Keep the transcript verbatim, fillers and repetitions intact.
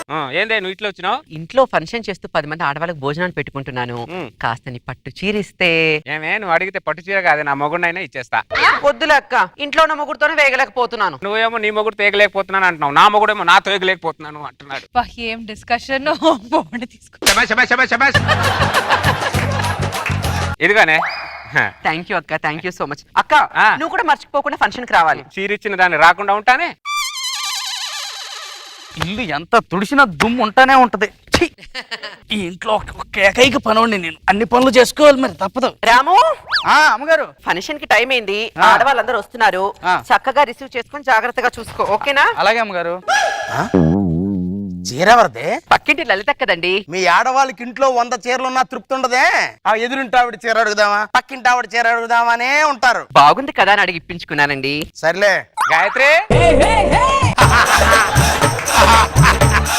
ఏందే నువ్వు ఇట్లా వచ్చినావు? ఇంట్లో ఫంక్షన్ చేస్తూ పది మంది ఆడవాళ్ళకి భోజనాలు పెట్టుకుంటున్నాను. కాస్త నీ పట్టు చీరిస్తే. ఏమే నువ్వు అడిగితే పట్టు చీర కాదు, నా మొగుడినైనా ఇచ్చేస్తా. వద్దులే అక్క, ఇంట్లో ఉన్న మొగుడుతోనే వేగలేకపోతున్నాను. నువ్వేమో నీ మొగుడు తేగలేకపోతున్నాను అంటున్నావు, నా మొగుడేమో నా తేగలేకపోతున్నాను అంటున్నాడు. ఏం డిస్కషన్. తీసుకో. ఇదిగానే థ్యాంక్ యూ అక్క, థ్యాంక్ యూ సో మచ్. అక్క నువ్వు కూడా మర్చిపోకుండా ఫంక్షన్ కి రావాలి. చీర ఇచ్చిన దాన్ని రాకుండా ఉంటానే. ఇల్లు ఎంత తుడిసినా దుమ్ము ఉంటానే ఉంటది. ఈ ఇంట్లో ఒక ఏకైక పనోడిని నేను, అన్ని పనులు చేసుకోవాలి మరి తప్పదు. రాము అమ్మగారు, ఫంక్షన్ కి టైం అయింది, ఆడవాళ్ళందరూ వస్తున్నారు. చక్కగా రిసీవ్ చేసుకుని జాగ్రత్తగా చూసుకో, ఓకేనా? అలాగే అమ్మగారు. చీరెవరిదే? పక్కింటి లలిత కదండి. మీ ఆడవాళ్ళకి ఇంట్లో వంద చీరలున్నా తృప్తి ఉండదే. ఆ ఎదురింటి ఆవిడ చీర అడుగుదామా, పక్కింటి ఆవిడ చీర అడుగుదామనే ఉంటారు. బాగుంది కదా అని అడిగి ఇప్పించుకున్నానండి. సర్లే గాయత్రి,